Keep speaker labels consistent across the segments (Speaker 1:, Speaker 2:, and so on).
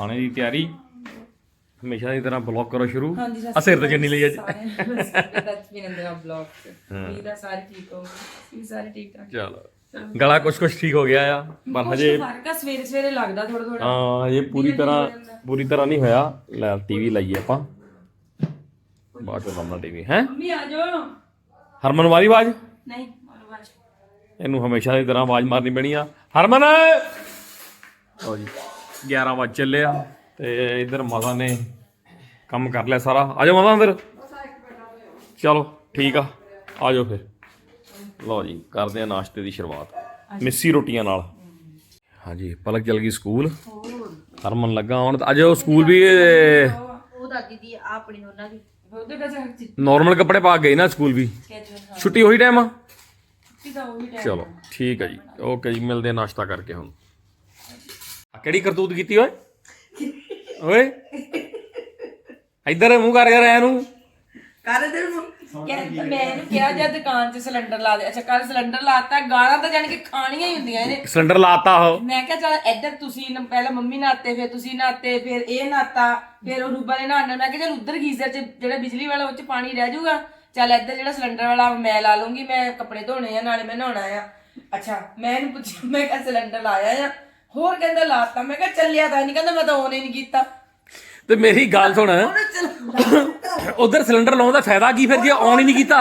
Speaker 1: ਖਾਣੇ ਦੀ ਤਿਆਰੀ ਹਮੇਸ਼ਾ ਦੀ ਤਰ੍ਹਾਂ ਬਲੌਗ ਕਰੋ ਸ਼ੁਰੂ ਆ ਸਿਰ ਤੇ ਚੰਨੀ ਲਈ ਅੱਜ ਚਲੋ ਗਲਾ ਕੁਛ ਠੀਕ ਹੋ ਗਿਆ ਆ ਪਰ ਹਜੇ
Speaker 2: ਸਵੇਰੇ ਸਵੇਰੇ ਲੱਗਦਾ ਥੋੜਾ ਥੋੜਾ
Speaker 1: ਹਾਂ ਇਹ ਪੂਰੀ ਤਰ੍ਹਾਂ ਨਹੀਂ ਹੋਇਆ। ਲੈ ਟੀਵੀ ਲਾਈਏ ਆਪਾਂ ਬਾਅਦ ਚ ਲਾਉਣਾ ਟੀਵੀ ਹੈ।
Speaker 2: ਮੰਮੀ ਆ ਜਾਓ।
Speaker 1: ਹਰਮਨ ਵਾਰੀ ਆਵਾਜ਼
Speaker 2: ਨਹੀਂ
Speaker 1: ਇਹਨੂੰ ਹਮੇਸ਼ਾ ਦੀ ਤਰ੍ਹਾਂ ਆਵਾਜ਼ ਮਾਰਨੀ ਪੈਣੀ ਆ। ਹਰਮਨ ਲਓ ਜੀ 11 ਵਜੇ ਚੱਲੇ ਆ ਤੇ ਇੱਧਰ ਮਾਤਾ ਨੇ ਕੰਮ ਕਰ ਲਿਆ ਸਾਰਾ। ਆ ਜਾਓ ਮਾਤਾ ਅੰਦਰ। ਚਲੋ ਠੀਕ ਆ ਜਾਓ ਫਿਰ। ਲਓ ਜੀ ਕਰਦੇ ਆ ਨਾਸ਼ਤੇ ਦੀ ਸ਼ੁਰੂਆਤ ਮਿੱਸੀ ਰੋਟੀਆਂ ਨਾਲ। ਹਾਂਜੀ ਪਲਕ ਚਲ ਗਈ ਸਕੂਲ। ਹਰਮਨ ਲੱਗਾ ਆਉਣ ਅੱਜ ਉਹ ਸਕੂਲ ਵੀ ਨੋਰਮਲ ਕੱਪੜੇ ਪਾ ਗਏ ਨਾ ਸਕੂਲ ਵੀ। ਛੁੱਟੀ ਉਹੀ ਟਾਈਮ ਆ। ਚਲੋ ਠੀਕ ਹੈ ਜੀ ਓਕੇ ਜੀ ਮਿਲਦੇ ਆ ਨਾਸ਼ਤਾ ਕਰਕੇ। ਹੁਣ ਕਿਹੜੀ ਕਰਤੂਤ ਕੀਤੀ ਓਏ ਇੱਧਰ ਮੂੰਹ ਕਰ ਯਾਰ ਇਹਨੂੰ
Speaker 2: ਕਰ ਦੇ ਮੈਂ ਇਹਨੂੰ ਕਿਹਾ ਜਾਂ ਦੁਕਾਨ 'ਚ ਸਿਲੰਡਰ ਲਾ ਦੇ। ਅੱਛਾ ਕੱਲ ਸਿਲੰਡਰ ਲਾਤਾ। ਗਾਲਾਂ ਤਾਂ ਜਾਣ ਕੇ ਖਾਣੀਆਂ ਹੀ ਹੁੰਦੀਆਂ ਇਹਨੇ।
Speaker 1: ਸਿਲੰਡਰ ਲਾਤਾ ਉਹ
Speaker 2: ਮੈਂ ਕਿਹਾ ਚੱਲ ਇੱਧਰ ਤੁਸੀਂ ਪਹਿਲਾਂ ਮੰਮੀ ਨਹਾਤੇ ਫਿਰ ਤੁਸੀਂ ਨਹਾਤੇ ਫਿਰ ਇਹ ਨਹਾਤਾ ਫਿਰ ਉਹ ਰੂਬਾ ਨੇ ਨਹਾਣਾ। ਮੈਂ ਕਿਹਾ ਚੱਲ ਉੱਧਰ ਗੀਜ਼ਰ 'ਚ ਜਿਹੜਾ ਬਿਜਲੀ ਵਾਲਾ ਉਹ 'ਚ ਪਾਣੀ ਰਹਿ ਜਾਊਗਾ। ਚੱਲ ਇੱਧਰ ਜਿਹੜਾ ਸਿਲੰਡਰ ਵਾਲਾ ਮੈਂ ਲਾ ਲੂੰਗੀ। ਮੈਂ ਕੱਪੜੇ ਧੋਣੇ ਆ ਨਾਲੇ ਮੈਂ ਨਹਾਉਣਾ ਆ। ਅੱਛਾ ਮੈਂ ਇਹਨੂੰ ਪੁੱਛਿਆ ਮੈਂ ਕਿਹਾ ਸਿਲੰਡਰ ਲਾਇਆ ਆ ਹੋਰ ਕਹਿੰਦਾ ਲਾਤਾ। ਮੈਂ ਕਿਹਾ ਚੱਲਿਆ ਤਾਂ ਨਹੀਂ ਕਹਿੰਦਾ ਮੈਂ ਤਾਂ ਔਨ ਹੀ ਨਹੀਂ ਕੀਤਾ।
Speaker 1: ਤੇ ਮੇਰੀ ਗੱਲ ਸੁਣ ਉਧਰ ਸਿਲੰਡਰ ਲਾਉਣ ਦਾ ਫਾਇਦਾ ਕੀ ਫਿਰ ਜੇ ਔਨ ਹੀ ਨਹੀਂ ਕੀਤਾ।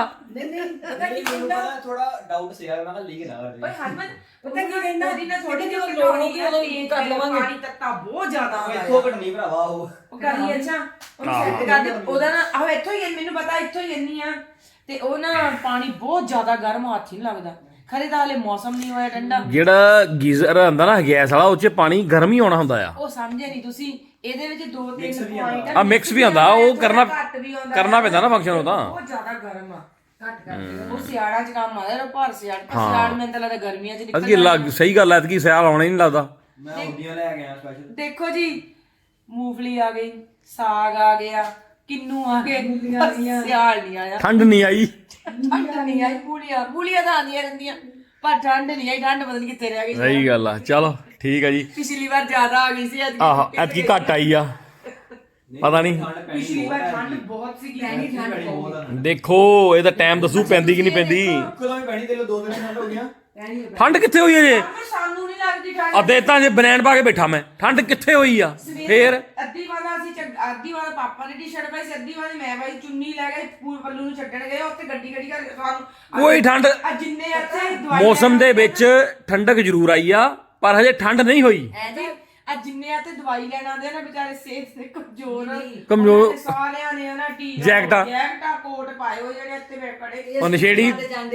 Speaker 3: ਥੋੜਾ ਡਾਊਟ ਸੀ ਯਾਰ ਮੈਂ ਕਿਹਾ ਲੀਕ ਨਾ ਕਰ
Speaker 2: ਓਏ ਹਰਮਨ ਪਤਾ ਕੀ ਕਹਿੰਦਾ ਉਹਦੀ ਨਾ ਥੋੜੀ ਜਿਹੀ ਲੋੜ ਹੋਊਗੀ ਉਦੋਂ ਕਰ ਲਵਾਂਗੇ। ਪਾਣੀ ਤੱਤਾ ਬਹੁਤ ਜ਼ਿਆਦਾ ਆਉਂਦਾ
Speaker 3: ਇੱਥੋਂ ਘਟਣੀ ਭਰਾਵਾ ਉਹ
Speaker 2: ਕਰੀ। ਅੱਛਾ ਉਹਨੂੰ ਸੈੱਟ ਕਰ ਦੇ ਉਹਦਾ ਨਾ ਆਹ ਇੱਥੋਂ ਹੀ ਮੈਨੂੰ ਪਤਾ ਇੱਥੋਂ ਹੀ ਇੰਨੀ ਆ ਤੇ ਉਹ ਨਾ ਪਾਣੀ ਬਹੁਤ ਜ਼ਿਆਦਾ ਗਰਮ ਹੱਥ ਹੀ ਨਹੀਂ ਲੱਗਦਾ। ਖਰੇ ਤਾਂ ਹਲੇ ਮੌਸਮ ਨਹੀਂ ਹੋਇਆ ਠੰਡਾ।
Speaker 1: ਜਿਹੜਾ ਗੀਜ਼ਰ ਹੁੰਦਾ ਨਾ ਗੈਸ ਵਾਲਾ ਉਹ 'ਚ ਪਾਣੀ ਗਰਮ ਹੀ ਆਉਣਾ ਹੁੰਦਾ ਆ।
Speaker 2: ਉਹ ਸਮਝੇ ਨਹੀਂ ਤੁਸੀਂ। ਇਹਦੇ ਵਿੱਚ 2-3 ਪੁਆਇੰਟ
Speaker 1: ਆ ਮਿਕਸ ਵੀ ਆਉਂਦਾ ਉਹ ਕਰਨਾ ਪੈਂਦਾ ਨਾ ਫੰਕਸ਼ਨ ਉਹ ਤਾਂ
Speaker 2: ਬਹੁਤ ਜ਼ਿਆਦਾ ਗਰਮ ਆ। ਘੱਟ ਕਰਦੇ ਉਹ ਸਿਆੜਾਂ 'ਚ ਕੰਮ ਆਇਆ ਭਰ ਸਿਆੜ ਮੈਨੂੰ ਤਾਂ ਲੱਗਦਾ ਗਰਮੀਆਂ 'ਚ
Speaker 1: ਅਸਕੀ ਸਹੀ ਗੱਲ ਐ ਕਿ ਸਿਆਲ ਆਉਣਾ ਹੀ ਨਹੀਂ ਲੱਗਦਾ।
Speaker 3: ਮੈਂ ਹੁੰਦੀਆਂ ਲੈ ਕੇ ਆਇਆ ਸਪੈਸ਼ਲ। ਦੇਖੋ
Speaker 2: ਜੀ ਮੂੰਗਫਲੀ ਆ ਗਈ ਸਾਗ ਆ ਗਿਆ ਕਿੰਨੂ ਆ ਗਏ ਸਿਆਲ ਨਹੀਂ ਆਇਆ
Speaker 1: ਠੰਡ ਨਹੀਂ ਆਈ।
Speaker 2: ਠੰਡ ਨਹੀਂ ਆਈ ਪੂਲੀਆਂ ਤਾਂ ਆਉਂਦੀਆਂ ਰਹਿੰਦੀਆਂ ਪਰ ਠੰਡ ਨਹੀਂ ਆਈ। ਠੰਡ ਪਤਾ ਨਹੀਂ ਕਿੱਥੇ ਰਹਿ ਗਈ।
Speaker 1: ਸਹੀ ਗੱਲ ਆ ਚਲੋ ਠੀਕ ਆ ਜੀ।
Speaker 2: ਪਿਛਲੀ ਵਾਰ ਜ਼ਿਆਦਾ ਆ ਗਈ ਸੀ
Speaker 1: ਆਹ ਐਤਕੀ ਘੱਟ ਆਈ ਆ ਪਤਾ ਨਹੀਂ।
Speaker 2: ਪਿਛਲੀ ਵਾਰ ਠੰਡ ਬਹੁਤ ਸੀਗੀ। ਠੰਡ
Speaker 1: ਦੇਖੋ ਇਹਦਾ ਟਾਈਮ ਦੱਸੂ ਪੈਂਦੀ ਕਿ ਨਹੀਂ ਪੈਂਦੀ।
Speaker 3: ਕਦੋਂ ਵੀ ਪੈਣੀ ਤੇ 2 ਦਿਨ ਠੰਡ ਹੋ ਗਈਆਂ।
Speaker 1: ਠੰਡ ਕਿੱਥੇ ਹੋਈ ਅਜੇ।
Speaker 2: ਸਾਨੂੰ ਨਹੀਂ ਲੱਗਦੀ ਠੰਡ।
Speaker 1: ਅੱਧੇ ਤਾਂ ਜੇ ਬਨੈਣ ਪਾ ਕੇ ਬੈਠਾ ਮੈਂ ਠੰਡ ਕਿੱਥੇ ਹੋਈ ਆ। ਫੇਰ
Speaker 2: ਅੱਧੀ ਵਾਰ ਪਾਪਾ ਨੇ ਟੀ-ਸ਼ਰਟ ਪਾਈ ਸੀ ਅੱਧੀ ਵਾਰ ਮੈਂ ਪਾਈ ਚੁੰਨੀ ਲੈ ਗਏ ਪੱਲੂ ਨੂੰ ਛੱਡਣ ਗਏ ਉੱਥੇ ਗੱਡੀ ਕਰ ਸਾਨੂੰ
Speaker 1: ਕੋਈ ਠੰਡ
Speaker 2: ਜਿੰਨੇ ਇੱਥੇ
Speaker 1: ਮੌਸਮ ਦੇ ਵਿੱਚ ਠੰਡਕ ਜ਼ਰੂਰ ਆਈ ਆ ਪਰ ਹਜੇ ਠੰਡ ਨਹੀਂ ਹੋਈ।
Speaker 2: ਜਿੰਨੇ ਆ ਤੇ ਦਵਾਈ ਲੈਣ ਆਉਂਦੇ ਆ ਨਾ ਵਿਚਾਰੇ ਸਿਹਤ ਦੇ ਕਮਜ਼ੋਰ ਸਾਰਿਆਂ ਨੇ ਨਾ
Speaker 1: ਜੈਕਟਾਂ
Speaker 2: ਕੋਟ ਪਾਏ ਹੋਏ ਜਿਹੜੇ ਇੱਥੇ ਖੜੇ
Speaker 1: ਉਹ ਨਸ਼ੇੜੀ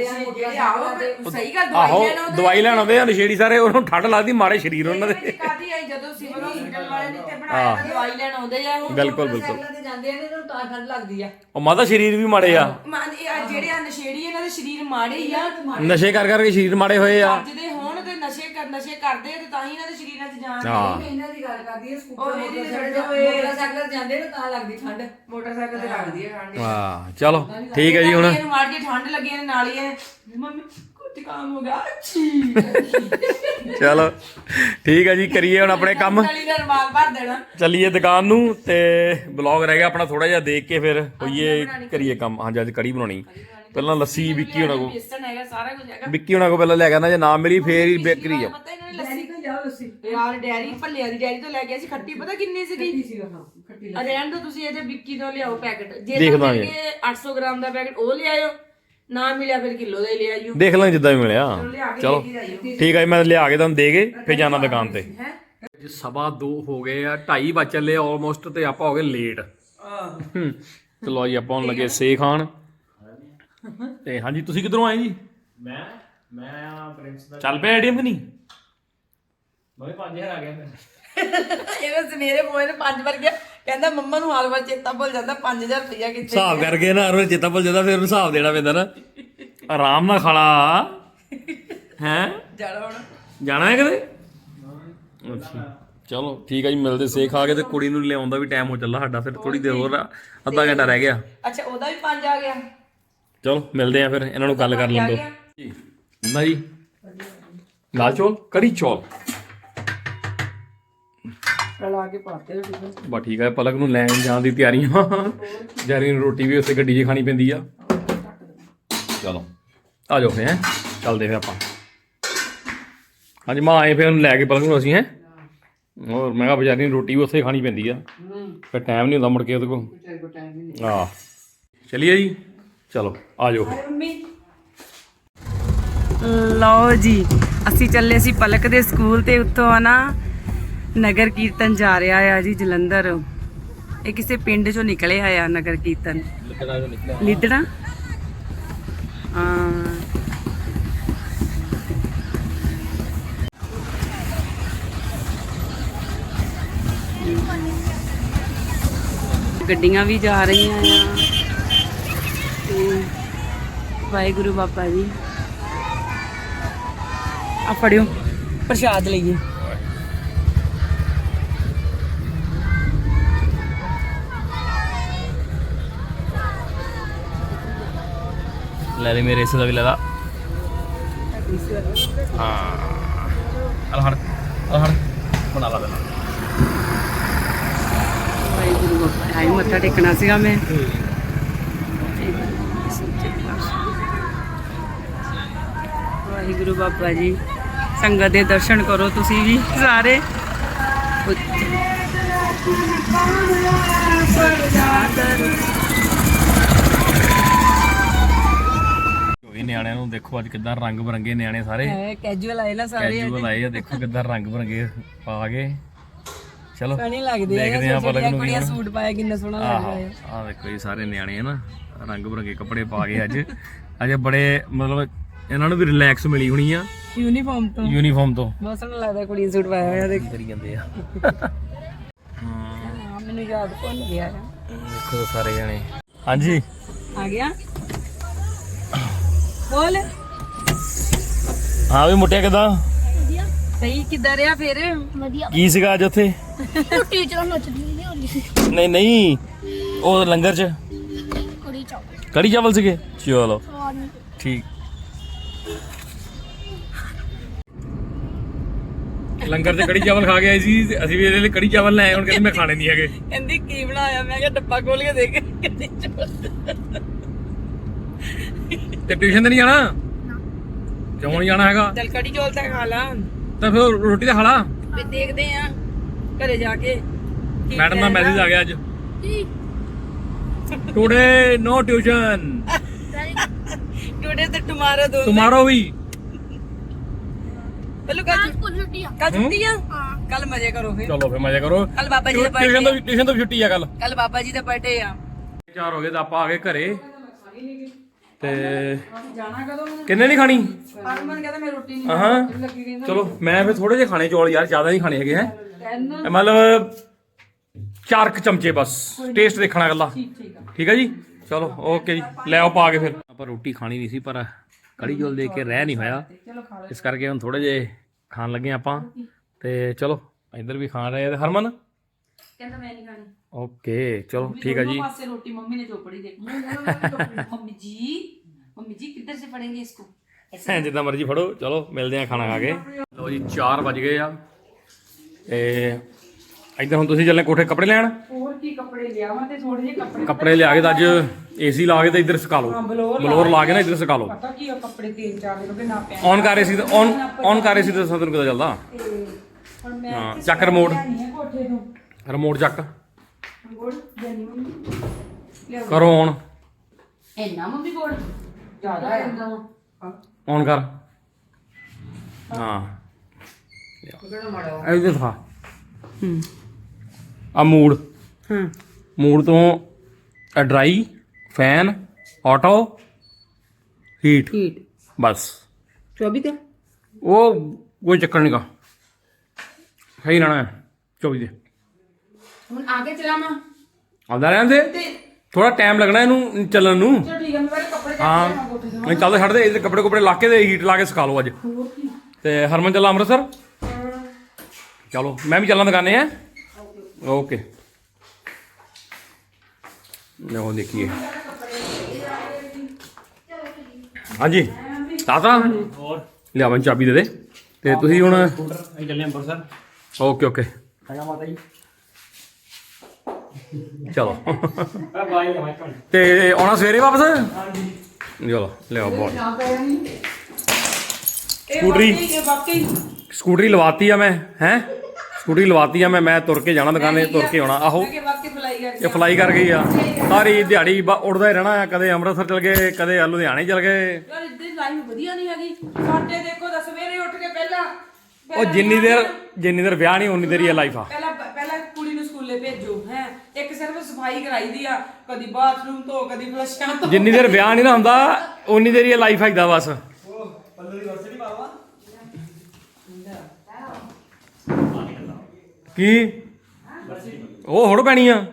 Speaker 2: ਸਹੀ ਗੱਲ
Speaker 1: ਆਹੋ ਦਵਾਈ ਲੈਣ ਆਉਂਦੇ ਆ ਨਸ਼ੇੜੀ ਸਾਰੇ ਉਹਨੂੰ ਠੰਡ ਲੱਗਦੀ ਮਾਰੇ ਸਰੀਰ ਉਹਨਾਂ ਦੇ।
Speaker 2: ਕਾਦੀ ਆਈ ਜਦੋਂ ਸਿਵਲ ਹਸਪੀਟਲ ਵਾਲੇ ਨੇ ਤੇ ਬਣਾਇਆ ਦਵਾਈ ਲੈਣ ਆਉਂਦੇ ਆ
Speaker 1: ਬਿਲਕੁਲ
Speaker 2: ਜਾਂਦੇ ਨੇ ਇਹਨਾਂ ਨੂੰ ਤਾਂ ਠੰਡ ਲੱਗਦੀ ਆ।
Speaker 1: ਉਹ ਮਾਤਾ ਸਰੀਰ ਵੀ ਮਾੜੇ ਆ
Speaker 2: ਜਿਹੜੇ ਆ ਨਸ਼ੇੜੀ ਇਹਨਾਂ ਦੇ ਸਰੀਰ ਮਾੜੇ ਹੀ ਆ।
Speaker 1: ਨਸ਼ੇ ਕਰ ਕਰਕੇ ਸਰੀਰ ਮਾੜੇ ਹੋਏ ਆ।
Speaker 2: ਜਿਹਦੇ ਹੋਣ ਤੇ ਨਸ਼ੇ ਕਰਦੇ ਤੇ ਤਾਂ ਹੀ ਇਹਨਾਂ ਦੇ ਸਰੀਰਾਂ 'ਚ ਜਾਨ
Speaker 4: ਇਹਨਾਂ ਦੀ ਗੱਲ ਕਰਦੀ ਹੈ ਸਕੂਟਰ ਮੋਟਰਸਾਈਕਲ ਜਾਂਦੇ ਨੇ ਤਾਂ ਲੱਗਦੀ ਠੰਡ।
Speaker 2: ਮੋਟਰਸਾਈਕਲ ਤੇ ਲੱਗਦੀ ਹੈ ਠੰਡ।
Speaker 1: ਵਾਹ ਚਲੋ ਠੀਕ ਹੈ ਜੀ ਹੁਣ
Speaker 2: ਇਹਨੂੰ ਮਾਰ ਕੇ ਠੰਡ ਲੱਗੀ ਨੇ ਨਾਲ ਹੀ ਮੰਮੀ ਕੁਝ ਕੰਮ ਹੋ ਗਿਆ ਅੱਛੀ
Speaker 1: ਚਲੋ ਠੀਕ ਹੈ ਜੀ ਕਰੀਏ ਹੁਣ ਆਪਣੇ ਕੰਮ।
Speaker 2: ਰਮਾਲ ਭਰ ਦੇਣਾ
Speaker 1: ਚੱਲੀਏ ਦੁਕਾਨ ਨੂੰ ਤੇ ਬਲੌਗ ਰਹਿ ਗਿਆ ਆਪਣਾ ਥੋੜਾ ਜਿਹਾ ਦੇਖ ਕੇ ਫਿਰ ਹੋਈਏ ਕਰੀਏ ਕੰਮ। ਹਾਂਜੀ ਅੱਜ ਕੜੀ ਬਣਾਉਣੀ ਪਹਿਲਾਂ ਲੱਸੀ ਵਿੱਕੀ ਹੋਣਾ ਕੋ ਵਿੱਕੀ ਹੋਣਾ ਕੋ ਪਹਿਲਾਂ ਲੈ ਕੇ ਆਣਾ ਜੇ ਨਾ ਮਿਲੀ ਫੇਰ ਹੀ ਬੇਕਰੀ ਜਾ
Speaker 2: ਯਾਰ ਡੈਰੀ ਭੱਲਿਆਂ ਦੀ ਡੈਰੀ ਤੋਂ ਲੈ ਕੇ ਅਸੀਂ ਖੱਟੀ ਪਤਾ ਕਿੰਨੀ ਸੀਗੀ। ਰਹਿਣ ਦੋ ਤੁਸੀਂ ਇਹਦੇ ਵਿੱਕੀ ਤੋਂ ਲਿਆਓ ਪੈਕਟ ਜੇ 800 ਗ੍ਰਾਮ ਦਾ ਪੈਕਟ ਉਹ ਲਿਆਇਓ ਨਾ ਮਿਲਿਆ ਫਿਰ ਕਿਲੋ ਦਾ ਹੀ ਲਿਆਇਓ।
Speaker 1: ਦੇਖ ਲਾਂਗੇ ਜਿੱਦਾਂ ਵੀ ਮਿਲਿਆ। ਚਲੋ ਠੀਕ ਹੈ ਮੈਂ ਲਿਆ ਕੇ ਤੁਹਾਨੂੰ ਦੇ ਕੇ ਫਿਰ ਜਾਣਾ ਦੁਕਾਨ ਤੇ। 2:15 ਹੋ ਗਏ ਆ 2:30 ਵਜ ਚੱਲੇ ਆਲਮੋਸਟ ਤੇ ਆਪਾਂ ਹੋ ਗਏ ਲੇਟ। ਚਲੋ ਜੀ ਆਪਾਂ ਹੁਣ ਲੱਗੇ ਸੇ ਖਾਣ ਤੇ ਹਾਂਜੀ ਤੁਸੀਂ ਕਿੱਧਰੋਂ ਆਏ ਜੀ।
Speaker 3: ਮੈਂ ਪ੍ਰਿੰਸ ਦਾ
Speaker 1: ਚੱਲ ਪਿਆ ਏਟੀਐਮ ਕਿ ਨਹੀਂ।
Speaker 3: ਮੈਂ 5000 ਆ ਗਿਆ
Speaker 2: ਇਹਨੇ ਸਵੇਰੇ ਮੋਏ ਨੇ 5 ਵਾਰ ਗਿਆ ਕਹਿੰਦਾ ਮੰਮਾ ਨੂੰ ਹਰ ਵਾਰ ਚੇਤਾ ਭੁੱਲ ਜਾਂਦਾ 5000 ਰੁਪਇਆ ਕਿੱਥੇ
Speaker 1: ਹਿਸਾਬ ਕਰਕੇ ਨਾ ਹਰ ਵਾਰ ਚੇਤਾ ਭੁੱਲ ਜਾਂਦਾ ਫਿਰ ਉਹਨੂੰ ਹਿਸਾਬ ਦੇਣਾ ਪੈਂਦਾ ਨਾ। ਆਰਾਮ ਨਾਲ ਖਾਲਾ ਹੈ ਜਾਣਾ ਹੈ ਕਿਤੇ। ਅੱਛਾ ਚਲੋ ਠੀਕ ਹੈ ਜੀ ਮਿਲਦੇ ਸੇ ਖਾ ਕੇ ਤੇ ਕੁੜੀ ਨੂੰ ਲਿਆਉਣ ਦਾ ਵੀ ਟਾਈਮ ਹੋ ਚੱਲਾ ਸਾਡਾ ਫਿਰ ਥੋੜੀ ਦੇਰ ਹੋਰ ਅੱਧਾ ਘੰਟਾ ਰਹਿ ਗਿਆ।
Speaker 2: ਅੱਛਾ ਉਹਦਾ ਵੀ 5 ਆ ਗਿਆ।
Speaker 1: ਚਲੋ ਮਿਲਦੇ ਆ ਫਿਰ ਇਹਨਾਂ ਨੂੰ ਗੱਲ ਕਰ ਲੈਣ ਦਿਓ ਨਾ ਜੀ। ਦਾਲ ਚੌਲ ਕੜੀ ਚੌਲ
Speaker 2: ਲਾ ਕੇ ਪਾਤੇ ਟਿਫਨ।
Speaker 1: ਬਸ ਠੀਕ ਹੈ, ਪਲਕ ਨੂੰ ਲੈਣ ਜਾਣ ਦੀ ਤਿਆਰੀਆਂ। ਜੈਰੀ ਨੂੰ ਰੋਟੀ ਵੀ ਉਸੇ ਗੱਡੀ 'ਚ ਖਾਣੀ ਪੈਂਦੀ ਆ। ਚਲੋ ਆ ਜਾਓ ਫਿਰ, ਚੱਲਦੇ ਫਿਰ ਆਪਾਂ। ਹਾਂਜੀ ਮਾਂ ਆਏ ਫਿਰ ਉਹਨੂੰ ਲੈ ਕੇ ਪਲਕ ਨੂੰ ਅਸੀਂ ਹੋਰ ਮੈਂ ਕਿਹਾ ਬਜ਼ਾਰੀ ਨੂੰ ਰੋਟੀ ਵੀ ਉੱਥੇ ਖਾਣੀ ਪੈਂਦੀ ਆ, ਫਿਰ ਟਾਈਮ ਨਹੀਂ ਹੁੰਦਾ ਮੁੜ ਕੇ ਉਹਦੇ ਕੋਲ। ਆਹ ਚਲਿਏ ਜੀ, ਚਲੋ ਆ ਜਾਓ।
Speaker 2: ਲਓ ਜੀ, ਅਸੀਂ ਚੱਲੇ ਸੀ ਪਲਕ ਦੇ ਸਕੂਲ ਤੇ ਉੱਥੋਂ ਆ ਨਾ ਨਗਰ ਕੀਰਤਨ ਜਾ ਰਿਹਾ ਆ ਜੀ ਜਲੰਧਰ। ਇਹ ਕਿਸੇ ਪਿੰਡ ਚੋਂ ਨਿਕਲਿਆ ਆ ਨਗਰ ਕੀਰਤਨ, ਲਿਦੜਾ। ਗੱਡੀਆਂ ਵੀ ਜਾ ਰਹੀਆਂ ਆ ਤੇ ਵਾਹਿਗੁਰੂ ਬਾਬਾ ਜੀ ਆ ਫੜਿਓ ਪ੍ਰਸ਼ਾਦ ਲਈਏ।
Speaker 1: ਲੈ ਲੈ ਮੇਰੇ ਹਿੱਸੇ ਦਾ ਵੀ ਲੈ ਲਾ। ਹਾਂ ਹੜ ਬਣਾ ਲਾ ਦੇਣਾ।
Speaker 2: ਵਾਹਿਗੁਰੂ ਬਾਬਾ ਆਈ ਮੱਥਾ ਟੇਕਣਾ ਸੀਗਾ ਮੈਂ। ਵਾਹਿਗੁਰੂ ਬਾਬਾ ਜੀ, ਸੰਗਤ ਦੇ ਦਰਸ਼ਨ ਕਰੋ ਤੁਸੀਂ ਵੀ ਸਾਰੇ।
Speaker 1: ਨਿਆਣਿਆਂ ਨੂੰ ਦੇਖੋ ਅੱਜ ਕਿੱਦਾਂ ਰੰਗ ਬਰੰਗੇ ਨਿਆਣੇ ਸਾਰੇ
Speaker 2: ਕੈਜੂਅਲ ਆਏ ਨਾ ਸਾਰੇ,
Speaker 1: ਕੈਜੂਅਲ ਆਏ ਆ। ਦੇਖੋ ਕਿੱਦਾਂ ਰੰਗ ਬਰੰਗੇ ਪਾ ਕੇ। ਚਲੋ
Speaker 2: ਸੋਹਣੇ ਲੱਗਦੇ ਆ।
Speaker 1: ਦੇਖਦੇ ਆ ਪਲਕ ਨੂੰ ਵੀ।
Speaker 2: ਸੂਟ ਪਾਇਆ ਕਿੰਨਾ ਸੋਹਣਾ ਲੱਗਦਾ ਹੈ।
Speaker 1: ਆਹ ਦੇਖੋ ਜੀ ਸਾਰੇ ਨਿਆਣੇ ਨਾ ਰੰਗ ਬਰੰਗੇ ਕੱਪੜੇ ਪਾ ਕੇ ਅੱਜ ਬੜੇ ਮਤਲਬ ਇਹਨਾਂ ਨੂੰ ਵੀ ਰਿਲੈਕਸ ਮਿਲੀ ਹੋਣੀ ਆ
Speaker 2: ਯੂਨੀਫਾਰਮ ਤੋਂ। ਬਹੁਤ ਸੋਹਣਾ ਲੱਗਦਾ ਕੁੜੀ ਸੂਟ ਪਾਇਆ ਹੋਇਆ। ਦੇਖ
Speaker 1: ਕਰੀ ਜਾਂਦੇ ਆ।
Speaker 2: ਹਾਂ ਮੈਨੂੰ ਯਾਦ ਭੁੱਲ ਗਿਆ।
Speaker 1: ਦੇਖੋ ਸਾਰੇ ਜਣੇ। ਹਾਂਜੀ
Speaker 2: ਆ ਗਿਆ ਬੋਲ।
Speaker 1: ਹਾਂ ਵੀ ਮੁੱਟਿਆ ਕਿਦਾਂ?
Speaker 2: ਸਹੀ ਕਿੱਦਾਂ ਰਿਹਾ ਫਿਰ?
Speaker 1: ਕੀ ਸੀਗਾ ਅੱਜ ਉੱਥੇ?
Speaker 5: ਟੀਚਰ ਨੱਚਦੀ ਨਹੀਂ ਹੁੰਦੀ ਸੀ।
Speaker 1: ਨਹੀਂ ਉਹ ਲੰਗਰ 'ਚ ਕੜੀ ਚਾਵਲ ਸੀਗੇ। ਚਲੋ ਠੀਕ। ਲੰਗਰ 'ਚ ਕੜੀ ਚਾਵਲ ਖਾ ਕੇ ਆਏ ਸੀ ਤੇ ਅਸੀਂ ਵੀ ਇਹਦੇ ਲਈ ਕੜੀ ਚਾਵਲ ਲੈ ਆਏ। ਹੁਣ ਕਹਿੰਦੇ ਮੈਂ ਖਾਣੇ ਨਹੀਂ ਹੈਗੇ।
Speaker 2: ਕਹਿੰਦੀ ਕੀ ਬਣਾਇਆ? ਮੈਂ ਕਿਹਾ ਡੱਬਾ ਖੋਲ ਕੇ ਦੇਖ।
Speaker 1: ਤੇ ਟਿਊਸ਼ਨ ਤੇ ਨਹੀਂ ਜਾਣਾ? ਕਿਉਂ ਨਹੀਂ ਜਾਣਾ ਹੈਗਾ?
Speaker 2: ਚੱਲ ਕੜੀ ਚੌਲ ਤਾਂ ਖਾ ਲਾ,
Speaker 1: ਤਾਂ ਫਿਰ ਰੋਟੀ ਤਾਂ ਖਾ ਲਾ।
Speaker 2: ਫਿਰ ਦੇਖਦੇ ਆ ਘਰੇ ਜਾ ਕੇ।
Speaker 1: ਮੈਡਮ ਦਾ ਮੈਸੇਜ ਆ ਗਿਆ ਅੱਜ, ਟੁਡੇ ਨੋ ਟਿਊਸ਼ਨ,
Speaker 2: ਟੁਡੇ ਤੇ ਟੁਮਾਰੋ ਦੋ।
Speaker 1: ਟੁਮਾਰੋ ਵੀ।
Speaker 2: ਪਹਿਲੂ ਕੱਲ ਛੁੱਟੀ ਆ। ਕੱਲ ਮਜ਼ੇ ਕਰੋ ਫਿਰ।
Speaker 1: ਚਲੋ ਫਿਰ ਮਜ਼ਾ ਕਰੋ।
Speaker 2: ਕੱਲ ਬਾਬਾ ਜੀ ਦਾ
Speaker 1: ਟਿਊਸ਼ਨ ਤੋਂ ਵੀ ਛੁੱਟੀ ਆ ਕੱਲ।
Speaker 2: ਕੱਲ ਬਾਬਾ ਜੀ ਦਾ ਬਰਥਡੇ ਆ।
Speaker 1: 4 ਹੋ ਗਏ ਤਾਂ ਆਪਾਂ ਆ ਗਏ ਘਰੇ। ਤੇ
Speaker 2: ਜਾਣਾ ਕਦੋਂ?
Speaker 1: ਕਿੰਨੇ ਨਹੀਂ ਖਾਣੀ?
Speaker 2: ਹਰਮਨ ਕਹਿੰਦਾ ਮੈਂ ਰੋਟੀ ਨਹੀਂ
Speaker 1: ਹਾਂ ਚਲੋ ਮੈਂ ਫਿਰ ਥੋੜੇ ਜਿਹੇ ਖਾਣੇ ਚੌਲ ਯਾਰ, ਜ਼ਿਆਦਾ ਨਹੀਂ ਖਾਣੇ ਹੈਗੇ ਹੈ। ਮਤਲਬ 4 ਚਮਚੇ ਬਸ, ਟੇਸਟ ਦੇਖਣਾ ਗੱਲਾਂ। ਠੀਕ ਹੈ ਜੀ, ਚਲੋ ਓਕੇ ਜੀ। ਲੈ ਆਓ ਪਾ ਕੇ। ਫਿਰ ਆਪਾਂ ਰੋਟੀ ਖਾਣੀ ਨਹੀਂ ਸੀ ਪਰ ਕੜੀ ਚੌਲ ਦੇਖ ਕੇ ਰਹਿ ਨਹੀਂ ਹੋਇਆ, ਇਸ ਕਰਕੇ ਹੁਣ ਥੋੜੇ ਜਿਹੇ ਖਾਣ ਲੱਗੇ ਆਪਾਂ। ਤੇ ਚਲੋ ਇੱਧਰ ਵੀ ਖਾ ਰਹੇ ਆ। ਹਰਮਨ
Speaker 2: ਕਹਿੰਦਾ ਮੈਂ ਨਹੀਂ ਖਾਣੀ।
Speaker 1: ਓਕੇ ਚਲੋ ਠੀਕ ਹੈ ਜੀ।
Speaker 2: पासे रोटी मम्मी ने चोपड़ी देखी। मम्मी जी किधर से पढ़ेंगे इसको?
Speaker 1: ਜਿੱਦਾਂ ਮਰਜ਼ੀ ਫੜੋ। ਚਲੋ ਮਿਲਦੇ ਆ ਖਾਣਾ ਖਾ ਕੇ। ਲਓ ਜੀ 4 ਵਜ ਗਏ ਆ ਤੇ ਇੱਧਰ ਹੁਣ ਤੁਸੀਂ ਚੱਲੇ ਕੋਠੇ ਕੱਪੜੇ ਲੈਣ।
Speaker 2: ਹੋਰ ਕੀ ਕੱਪੜੇ ਲਿਆਵਾਂ ਤੇ ਥੋੜੇ ਜਿਹੇ
Speaker 1: ਕੱਪੜੇ ਲਿਆ ਕੇ ਤਾਂ ਅੱਜ ਏਸੀ ਲਾ ਕੇ ਤਾਂ ਇੱਧਰ ਸੁਕਾ ਲਓ। ਬਲੋਰ ਲਾ ਕੇ ਨਾ ਇੱਧਰ ਸੁਕਾ ਲਓ।
Speaker 2: ਪਤਾ ਕੀ ਆ ਕੱਪੜੇ 3-4 ਦਿਨ ਹੋ ਗਏ ਨਾ ਪਿਆ।
Speaker 1: ਔਨ ਕਰ ਰਹੇ ਸੀ ਤਾਂ ਔਨ ਕਰ ਰਹੇ ਸੀ ਤਾਂ ਤੁਹਾਨੂੰ ਕਿੱਦਾਂ ਚੱਲਦਾ?
Speaker 2: ਹੁਣ ਮੈਂ
Speaker 1: ਹਾਂ ਚੱਕ ਰਿਮੋਟ,
Speaker 2: ਕੋਠੇ ਤੋਂ
Speaker 1: ਰਿਮੋਟ ਚੱਕ
Speaker 2: ਗੋੜ ਜਾਨੀ ਮੰਮੀ
Speaker 1: ਕਰੋ ਔਨ।
Speaker 2: ਇੰਨਾ ਮੰਮੀ ਗੋੜ ਜ਼ਿਆਦਾ ਆ।
Speaker 1: ਔਨ ਕਰ। ਹਾਂ ਇਹਦੇ ਦਿਖਾ। ਆ ਮੂਡ ਤੋਂ ਡਰਾਈ, ਫੈਨ, ਆਟੋ, ਹੀਟ ਬਸ।
Speaker 2: 24 ਤੇ
Speaker 1: ਉਹ ਕੋਈ ਚੱਕਰ ਨਹੀਂ ਗਾ, ਸਹੀ ਰਹਿਣਾ ਹੈ 24 ਦੇ।
Speaker 2: ਹੁਣ ਆਗੇ ਚਲਾਵਾਂ
Speaker 1: ਆਉਂਦਾ ਰਹਿਣ ਦੇ, ਥੋੜਾ ਟਾਈਮ ਲੱਗਣਾ ਇਹਨੂੰ ਚੱਲਣ ਨੂੰ।
Speaker 2: ਚਲੋ ਠੀਕ ਹੈ ਮੈਂ ਪਹਿਲੇ ਕੱਪੜੇ
Speaker 1: ਹਾਂ ਨਹੀਂ ਚੱਲਦੇ ਛੱਡ ਦੇ। ਇਹਦੇ ਕੱਪੜੇ ਕੁਪੜੇ ਲਾ ਕੇ ਤੇ ਹੀਟ ਲਾ ਕੇ ਸਿਖਾ ਲਓ ਅੱਜ। ਤੇ ਹਰਮਨ ਚੱਲਾਂ ਅੰਮ੍ਰਿਤਸਰ। ਚਲੋ ਮੈਂ ਵੀ ਚੱਲਾਂ ਦੁਕਾਨੇ ਆ। ਓਕੇ ਲਓ ਦੇਖੀਏ। ਹਾਂਜੀ ਤਾਤਾ
Speaker 3: ਹੋਰ
Speaker 1: ਲਿਆਵਾਂ ਚਾਬੀ ਦੇ ਦੇ। ਤੇ ਤੁਸੀਂ ਹੁਣ
Speaker 3: ਅਸੀਂ ਚੱਲੇ ਅੰਮ੍ਰਿਤਸਰ।
Speaker 1: ਓਕੇ ਓਕੇ
Speaker 3: ਹੈਗਾ ਮਾਤਾ ਜੀ
Speaker 1: ਚਲੋ
Speaker 3: ਬਾਈ ਲੈ ਮੈਂ
Speaker 1: ਤੇ ਆਉਣਾ ਸਵੇਰੇ ਵਾਪਸ
Speaker 3: ਹਾਂਜੀ
Speaker 1: ਚਲੋ ਲਿਆਓ ਬੋਲ
Speaker 2: ਇਹ
Speaker 1: ਸਕੂਟਰੀ।
Speaker 2: ਵਾਕਈ
Speaker 1: ਸਕੂਟਰੀ ਲਵਾਤੀ ਆ ਮੈਂ ਸਕੂਟਰੀ ਲਵਾਤੀ ਆ ਮੈਂ ਤੁਰ ਕੇ ਜਾਣਾ ਦੁਕਾਨੇ ਤੁਰ ਕੇ ਆਉਣਾ ਆਹੋ
Speaker 2: ਕਿ ਵਾਕਈ ਫਲਾਈ ਕਰ
Speaker 1: ਇਹ ਫਲਾਈ ਕਰ ਗਈ ਆ ਸਾਰੀ ਦਿਹਾੜੀ ਉੱਡਦਾ ਹੀ ਰਹਿਣਾ ਆ ਕਦੇ ਅੰਮ੍ਰਿਤਸਰ ਚਲ ਗਏ ਕਦੇ ਲੁਧਿਆਣੇ ਚਲ ਗਏ
Speaker 2: ਯਾਰ ਇੱਦਾਂ ਲਾਈਫ ਵਧੀਆ ਨਹੀਂ ਹੈਗੀ ਸਾਡੇ ਦੇਖੋ ਤਾਂ ਸਵੇਰੇ ਉੱਠ ਕੇ ਪਹਿਲਾਂ
Speaker 1: ਉਹ ਜਿੰਨੀ ਦੇਰ ਵਿਆਹ ਨਹੀਂ ਉਨੀ ਦੇਰ ਹੀ ਲਾਈਫ ਆ
Speaker 2: ਪਹਿਲਾਂ ਕੁੜੀ ਨੂੰ ਸਕੂਲੇ ਭੇਜੋ ਹੈ ਇੱਕ ਸਿਰਫ ਸਫਾਈ ਕਰਾਈ ਦੀ ਆ ਕਦੀ ਬਾਥਰੂਮ ਤੋਂ ਕਦੀ ਫਲਸ਼ਾਂ ਤੋਂ
Speaker 1: ਜਿੰਨੀ ਦੇਰ ਵਿਆਹ ਨਹੀਂ ਨਾ ਹੁੰਦਾ ਉਨੀ ਦੇਰ ਹੀ ਲਾਈਫ ਹੈਗਾ ਬਸ
Speaker 3: ਉਹ ਪੱਲੂ ਦੀ ਵਰਸੀ ਨਹੀਂ ਪਾਵਾ
Speaker 1: ਕੀ ਉਹ ਹੁਣ ਪੈਣੀ ਆ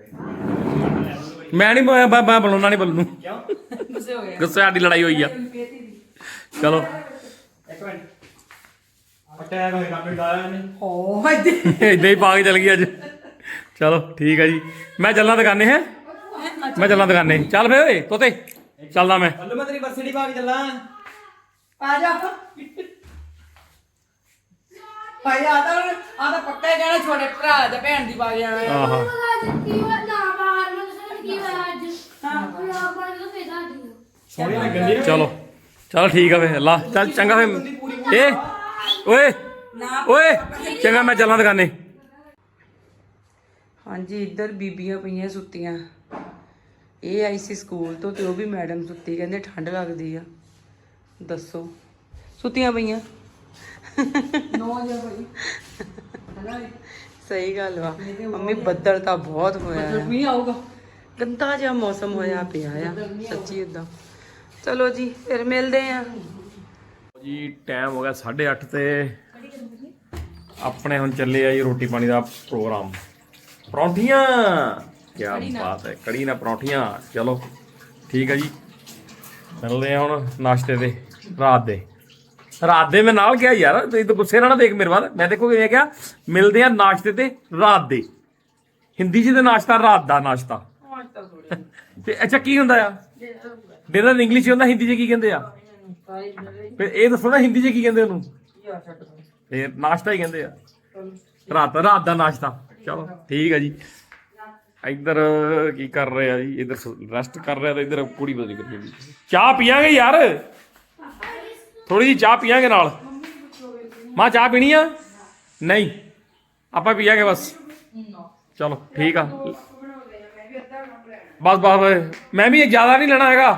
Speaker 1: ਮੈਂ ਨਹੀਂ ਮੈਂ ਬੁਲਾਉਣਾ ਨਹੀਂ ਬੱਲੂ ਨੂੰ
Speaker 2: ਗੁੱਸੇ ਹੋ ਗਏ
Speaker 1: ਗੁੱਸੇ ਸਾਡੀ ਲੜਾਈ ਹੋਈ ਆ ਚਲੋ
Speaker 3: ਇੱਕ ਮਿੰਟ ਅਟੈਕ ਹੋਇਆ ਕੰਮ ਡਾਇਆ ਨਹੀਂ
Speaker 2: ਹੋ ਇੱਥੇ
Speaker 1: ਏਦਾਂ ਹੀ ਪਾ ਕੇ ਚਲ ਗਈ ਅੱਜ ਚਲੋ ਠੀਕ ਆ ਜੀ ਮੈਂ ਚੱਲਣਾ ਦੁਕਾਨੇ ਹੈ ਮੈਂ ਚੱਲਣਾ ਦੁਕਾਨੇ ਚੱਲ ਫੇ ਓਏ ਤੋਤੇ ਚੱਲਦਾ ਮੈਂ
Speaker 3: ਪੱਲੂ ਮੈਂ ਤੇਰੀ ਵਰਸੀ ਨਹੀਂ ਪਾ ਕੇ ਚੱਲਾਂ
Speaker 2: ਆ ਜਾ ਭਾਈ ਆਦਾ ਪੱਕਾ ਹੀ ਕਹਿਣਾ ਛੋਟੇ ਭਰਾ ਦੇ ਭੈਣ ਦੀ ਪਾ ਕੇ ਆਣਾ
Speaker 1: ਆਹਾ
Speaker 3: ਸੋਹਣੀ ਲੱਗਣ ਦੀ
Speaker 1: ਚਲੋ ਠੀਕ ਆ ਫੇ ਅੱਲਾ ਚੱਲ ਚੰਗਾ ਫੇ ਏ ਓਏ ਓਏ ਚੰਗਾ ਮੈਂ ਚੱਲਾਂ ਦੁਕਾਨੇ
Speaker 2: ਹਾਂਜੀ ਇੱਧਰ ਬੀਬੀਆਂ ਪਈਆਂ ਸੁੱਤੀਆਂ ਇਹ ਆਈ ਸੀ ਸਕੂਲ ਤੋਂ ਤੇ ਉਹ ਵੀ ਮੈਡਮ ਸੁੱਤੀ ਕਹਿੰਦੇ ਠੰਡ ਲੱਗਦੀ ਆ ਦੱਸੋ ਸੁੱਤੀਆਂ ਪਈਆਂ 9 ਵਜੇ ਭਾਈ ਸਹੀ ਗੱਲ ਵਾ ਮੰਮੀ ਬੱਦਲ ਤਾਂ ਬਹੁਤ ਹੋਇਆ ਆ ਮੀਂਹ ਆਊਗਾ ਗੰਦਾ ਜਿਹਾ ਮੌਸਮ ਹੋਇਆ ਪਿਆ ਆ ਸੱਚੀ ਇਦਾਂ ਚਲੋ ਜੀ ਫਿਰ ਮਿਲਦੇ ਆ
Speaker 1: ਜੀ ਟਾਈਮ ਹੋ ਗਿਆ 8:30 ਤੇ ਆਪਣੇ ਹੁਣ ਚੱਲੇ ਆ ਜੀ ਰੋਟੀ ਪਾਣੀ ਦਾ ਪ੍ਰੋਗਰਾਮ ਪਰੌਂਠੀਆਂ ਕੀ ਬਾਤ ਹੈ ਕੜੀ ਨਾਲ ਪਰੌਂਠੀਆਂ ਚਲੋ ਠੀਕ ਹੈ ਜੀ ਮਿਲਦੇ ਆ ਹੁਣ ਨਾਸ਼ਤੇ ਦੇ ਰਾਤ ਦੇ ਮੈਂ ਨਾਲ ਕਿਹਾ ਯਾਰ ਤੁਸੀਂ ਤਾਂ ਗੁੱਸੇ ਨਾਲ ਨਾ ਦੇਖ ਮੇਰੇ ਵੱਲ ਮੈਂ ਦੇਖੋ ਕਿਵੇਂ ਕਿਹਾ ਮਿਲਦੇ ਆ ਨਾਸ਼ਤੇ ਤੇ ਰਾਤ ਦੇ ਹਿੰਦੀ 'ਚ ਤੇ ਨਾਸ਼ਤਾ ਰਾਤ ਦਾ ਨਾਸ਼ਤਾ ਤੇ ਅੱਛਾ ਕੀ ਹੁੰਦਾ ਆ ਡਿਨਰ ਇੰਗਲਿਸ਼ 'ਚ ਹੁੰਦਾ ਹਿੰਦੀ 'ਚ ਕੀ ਕਹਿੰਦੇ ਆ ਫਿਰ ਇਹ ਦੱਸੋ ਨਾ ਹਿੰਦੀ 'ਚ ਕੀ ਕਹਿੰਦੇ ਉਹਨੂੰ ਇਹ ਨਾਸ਼ਤਾ ਹੀ ਕਹਿੰਦੇ ਆ ਰਾਤ ਦਾ ਨਾਸ਼ਤਾ ਚਲੋ ਠੀਕ ਹੈ ਜੀ ਇੱਧਰ ਕੀ ਕਰ ਰਹੇ ਆ ਜੀ ਇੱਧਰ ਰੈਸਟ ਕਰ ਰਿਹਾ ਤੇ ਇੱਧਰ ਕੁੜੀ ਬਦਲੀ ਕਰੀ ਜਾਂਦੀ ਚਾਹ ਪੀਆਂਗੇ ਯਾਰ ਥੋੜੀ ਜਿਹੀ ਚਾਹ ਪੀਆਂਗੇ ਨਾਲ ਮਾਂ ਚਾਹ ਪੀਣੀ ਆ ਨਹੀਂ ਆਪਾਂ ਪੀਆਂਗੇ ਬਸ ਚਲੋ ਠੀਕ ਆ ਬਸ ਮੈਂ ਵੀ ਜ਼ਿਆਦਾ ਨਹੀਂ ਲੈਣਾ ਹੈਗਾ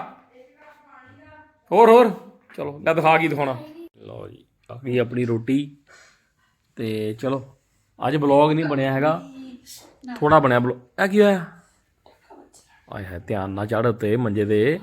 Speaker 1: ਹੋਰ ਚਲੋ ਲੈ ਦਿਖਾ ਕੀ ਦਿਖਾਉਣਾ ਲਓ ਜੀ ਆ ਗਈ ਆਪਣੀ ਰੋਟੀ ਤੇ ਚਲੋ ਅੱਜ ਬਲੌਗ ਨਹੀਂ ਬਣਿਆ ਹੈਗਾ ਥੋੜਾ ਬਣਿਆ ਬਲੌਗ ਇਹ ਕੀ ਹੋਇਆ ਆਏ ਹੈ ਧਿਆਨ ਨਾਲ ਚੜ੍ਹ ਤੇ ਮੰਜੇ ਦੇ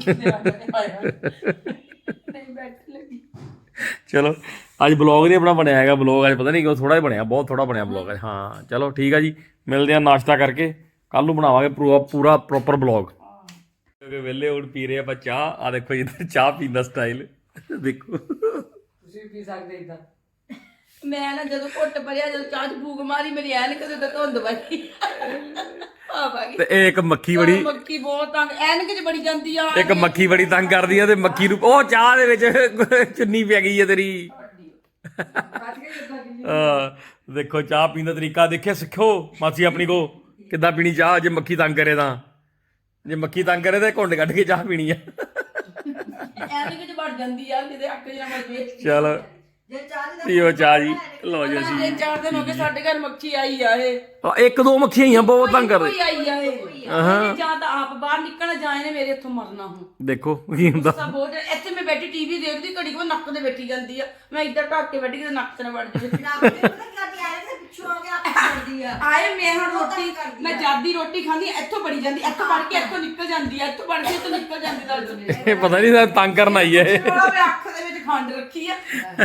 Speaker 1: ਚਲੋ ਅੱਜ ਬਲੌਗ ਨਹੀਂ ਆਪਣਾ ਬਣਿਆ ਹੈਗਾ ਬਲੌਗ ਅੱਜ ਪਤਾ ਨਹੀਂ ਕਿਉਂ ਥੋੜਾ ਹੀ ਬਣਿਆ ਬਹੁਤ ਥੋੜਾ ਬਣਿਆ ਬਲੌਗ ਅੱਜ ਹਾਂ ਚਲੋ ਠੀਕ ਆ ਜੀ ਮਿਲਦੇ ਆ ਨਾਸ਼ਤਾ ਕਰਕੇ ਕੱਲ ਨੂੰ ਬਣਾਵਾਂਗੇ ਪੂਰਾ ਪ੍ਰੋਪਰ ਬਲੌਗ ਕਿਉਂਕਿ ਵਿਹਲੇ ਹੁਣ ਪੀ ਰਹੇ ਆਪਾਂ ਚਾਹ ਆ ਦੇਖੋ ਇੱਧਰ ਚਾਹ ਪੀਣ ਦਾ ਸਟਾਈਲ ਦੇਖੋ
Speaker 2: ਤੁਸੀਂ ਪੀ ਸਕਦੇ ਇਦਾਂ ਮੈਂ ਨਾ ਜਦੋਂ ਘੁੱਟ ਭਰਿਆ ਜਦੋਂ ਚਾਹ ਚ ਫੂਕ ਮਾਰੀ ਮੇਰੀ ਐਨਕ ਤੇ ਧੁੰਦ ਵੱਜੀ
Speaker 1: ਤੇ ਇਹ ਇੱਕ ਮੱਖੀ ਬੜੀ
Speaker 2: ਮੱਖੀ ਬਹੁਤ ਤੰਗ ਐਨਕ ਚ ਬੜੀ ਜਾਂਦੀ ਆ
Speaker 1: ਇੱਕ ਮੱਖੀ ਬੜੀ ਤੰਗ ਕਰਦੀ ਆ ਤੇ ਮੱਖੀ ਨੂੰ ਉਹ ਚਾਹ ਦੇ ਵਿੱਚ ਚੁੰਨੀ ਪੈ ਗਈ ਆ ਤੇਰੀ ਦੇਖੋ ਚਾਹ ਪੀਣ ਦਾ ਤਰੀਕਾ ਦੇਖਿਆ ਸਿੱਖੋ ਮਾਸੀ ਆਪਣੀ ਕੋ ਕਿੱਦਾਂ ਪੀਣੀ ਚਾਹ ਜੇ ਮੱਖੀ ਤੰਗ ਕਰੇ ਤਾਂ ਜੇ ਮੱਖੀ ਤੰਗ ਕਰੇ ਤਾਂ ਘੁੰਡ ਕੱਢ ਕੇ ਚਾਹ ਪੀਣੀ ਆ
Speaker 2: ਐਨਕ ਚ ਵੜ ਜਾਂਦੀ ਆ ਜਿਹਦੇ ਅੱਖ ਜਣਾ ਮੱਜੇ
Speaker 1: ਚਲ ਪੀਓ ਚਾਹ ਜੀ ਲਓ ਜੀ ਅਸੀਂ
Speaker 2: 3-4 ਦਿਨ ਹੋ ਗਏ ਸਾਡੇ ਘਰ ਮੱਖੀ ਆਈ ਆ ਇਹ
Speaker 1: ਇੱਕ ਦੋ ਮੱਖੀਆਂ ਹੀ ਆ ਬਹੁਤ ਤੰਗ ਕਰਦੇ
Speaker 2: ਕੋਈ ਆਈ ਆ ਇਹ ਜਾਂ ਤਾਂ ਆਪ ਬਾਹਰ ਨਿਕਲਣਾ ਜਾਂ ਇਹਨੇ ਮੇਰੇ ਇੱਥੋਂ ਮਰਨਾ ਹੁਣ
Speaker 1: ਦੇਖੋ ਕੀ ਹੁੰਦਾ
Speaker 2: ਸਭ ਬਹੁਤ ਇੱਥੇ ਮੈਂ ਬੈਠੀ ਟੀਵੀ ਦੇਖਦੀ ਘੜੀ ਕੋ ਨੱਕ ਤੇ ਬੈਠੀ ਜਾਂਦੀ ਆ ਮੈਂ ਇੱਧਰ ਢੱਕ ਕੇ ਬੈਠੀ ਕਿ ਨੱਕ ਤੇ ਨਾ ਵੜ ਜਾਵੇ ਆਏ ਮੈਂ ਹੁਣ ਰੋਟੀ ਮੈਂ ਜਾਦੀ ਰੋਟੀ ਖਾਂਦੀ ਇੱਥੋਂ ਬੜੀ ਜਾਂਦੀ ਇੱਥੋਂ ਵੜ ਕੇ ਇੱਥੋਂ ਨਿਕਲ ਜਾਂਦੀ ਆ ਇੱਥੋਂ ਵੜ ਕੇ ਇੱਥੋਂ ਨਿਕਲ ਜਾਂਦੀ ਦਰਦ
Speaker 1: ਇਹ ਪਤਾ ਨਹੀਂ ਤੰਗ ਕਰਨ ਆਈ ਹੈ ਇਹ
Speaker 2: ਮੈਂ ਅੱਖ ਦੇ ਵਿੱਚ ਖੰਡ ਰੱਖੀ ਆ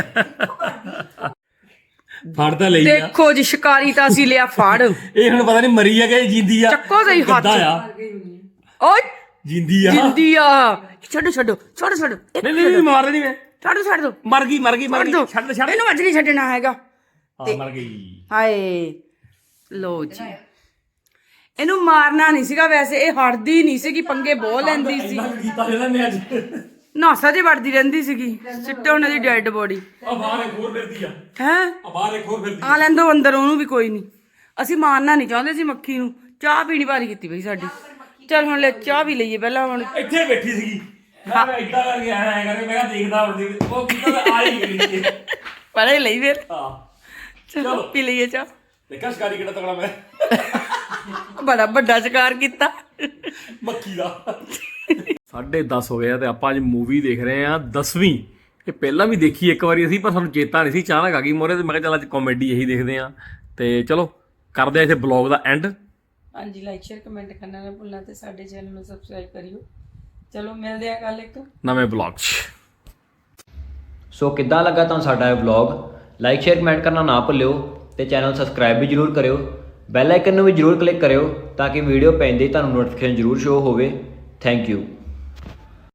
Speaker 1: ਫੜ ਤਾਂ ਲਈ ਆ
Speaker 2: ਦੇਖੋ ਜੀ ਸ਼ਿਕਾਰੀ ਤਾਂ ਅਸੀਂ ਲਿਆ ਫੜ
Speaker 1: ਇਹ ਹੁਣ ਪਤਾ ਨਹੀਂ ਮਰੀ ਆ ਕਿ ਜਿੰਦੀ ਆ
Speaker 2: ਚੱਕੋ ਸਹੀ ਹੱਥ
Speaker 1: ਕਿੱਦਾਂ ਆ
Speaker 2: ਓਏ
Speaker 1: ਜਿੰਦੀ ਆ
Speaker 2: ਜਿੰਦੀ ਆ ਛੱਡੋ
Speaker 1: ਨਹੀਂ ਮਾਰ ਦੇਣੀ ਮੈਂ
Speaker 2: ਛੱਡ ਦੋ
Speaker 1: ਮਰ ਗਈ ਛੱਡ
Speaker 2: ਇਹਨੂੰ ਅੱਜ ਨਹੀਂ ਛੱਡਣਾ ਹੈਗਾ
Speaker 1: ਹਾਂ ਮਰ ਗਈ
Speaker 2: ਹਾਏ ਲੋ ਜੀ ਇਹਨੂੰ ਮਾਰਨਾ ਨਹੀਂ ਸੀਗਾ ਵੈਸੇ ਇਹ ਹਟਦੀ ਨਹੀਂ ਸੀਗੀ ਪੰਗੇ ਬਹੁਤ ਲੈਂਦੀ ਸੀ
Speaker 1: ਕੀਤਾ ਇਹਨਾਂ ਨੇ ਅੱਜ
Speaker 2: ਨਾਸਾ 'ਚ ਵੜਦੀ ਰਹਿੰਦੀ ਸੀਗੀ ਸਿੱਟੋ ਉਹਨਾਂ ਦੀ ਡੈੱਡ ਬੋਡੀ
Speaker 1: ਆ ਬਾਹਰ ਇੱਕ ਹੋਰ ਫਿਰਦੀ ਆ
Speaker 2: ਹੈ
Speaker 1: ਆ ਬਾਹਰ ਇੱਕ ਹੋਰ ਫਿਰਦੀ
Speaker 2: ਆ ਲੈਂਦੋ ਅੰਦਰ ਉਹਨੂੰ ਵੀ ਕੋਈ ਨਹੀਂ ਅਸੀਂ ਮਾਰਨਾ ਨਹੀਂ ਚਾਹੁੰਦੇ ਸੀ ਮੱਖੀ ਨੂੰ ਚਾਹ ਪੀਣੀ ਭਾਰੀ ਕੀਤੀ ਪਈ ਸਾਡੀ ਚੱਲ ਹੁਣ ਲੈ ਚਾਹ ਵੀ ਲਈਏ ਪਹਿਲਾਂ ਹੁਣ
Speaker 1: ਇੱਥੇ ਬੈਠੀ ਸੀਗੀ ਮੈਂ ਇਦਾਂ ਕਰਕੇ ਆਇਆ ਕਰਕੇ ਮੈਂ ਕਿਹਾ ਦੇਖਦਾ ਹੁੰਦੀ ਉਹ ਕਿੱਦਾਂ ਆ ਹੀ ਗਈ
Speaker 2: ਪਹਿਲਾਂ ਹੀ ਲਈ ਫਿਰ
Speaker 1: ਹਾਂ
Speaker 2: ਚਲੋ ਪੀ ਲਈਏ ਚਾਹ
Speaker 1: ਦੇਖਾ ਸ਼ਿਕਾਰੀ ਕਿਹੜਾ ਤਗੜਾ ਮੈਂ
Speaker 2: ਬੜਾ ਵੱਡਾ ਸ਼ਿਕਾਰ ਕੀਤਾ
Speaker 1: ਮੱਖੀ ਦਾ 10:30 ਹੋ ਗਿਆ ਤੇ ਆਪਾਂ ਅੱਜ ਮੂਵੀ ਦੇਖ ਰਹੇ ਆ 10ਵੀਂ ਇਹ ਪਹਿਲਾਂ ਵੀ ਦੇਖੀ ਇੱਕ ਵਾਰੀ ਅਸੀਂ ਪਰ ਸਾਨੂੰ ਚੇਤਾ ਨਹੀਂ ਸੀ ਅਚਾਨਕ ਆ ਗਈ ਮੋਰੇ ਤੇ ਮੈਂ ਕਿਹਾ ਚੱਲ ਅੱਜ ਕਾਮੇਡੀ ਇਹੀ ਦੇਖਦੇ ਆ ਤੇ ਚਲੋ ਕਰਦੇ ਆ ਇੱਥੇ ਬਲੌਗ ਦਾ ਐਂਡ
Speaker 2: ਹਾਂਜੀ ਲਾਈਕ ਸ਼ੇਅਰ ਕਮੈਂਟ ਕਰਨਾ ਨਾ ਭੁੱਲਣਾ ਤੇ ਸਾਡੇ ਚੈਨਲ ਨੂੰ ਸਬਸਕ੍ਰਾਈਬ ਕਰਿਓ ਚਲੋ ਮਿਲਦੇ ਆ ਕੱਲ ਇੱਕ
Speaker 1: ਨਵੇਂ ਬਲੌਗ 'ਚ
Speaker 6: ਸੋ ਕਿੱਦਾਂ ਲੱਗਾ ਤੁਹਾਨੂੰ ਸਾਡਾ ਇਹ ਵਲੌਗ ਲਾਈਕ ਸ਼ੇਅਰ ਕਮੈਂਟ ਕਰਨਾ ਨਾ ਭੁੱਲਿਓ ਤੇ ਚੈਨਲ ਸਬਸਕ੍ਰਾਈਬ ਵੀ ਜਰੂਰ ਕਰਿਓ ਬੈਲ ਆਈਕਨ ਨੂੰ ਵੀ ਜਰੂਰ ਕਲਿੱਕ ਕਰਿਓ ਤਾਂ ਕਿ ਵੀਡੀਓ ਪੈਂਦੇ ਹੀ ਤੁਹਾਨੂੰ ਨੋਟੀਫਿਕੇਸ਼ਨ ਜਰੂਰ ਸ਼ੋ ਹੋਵੇ ਥੈਂਕ ਯੂ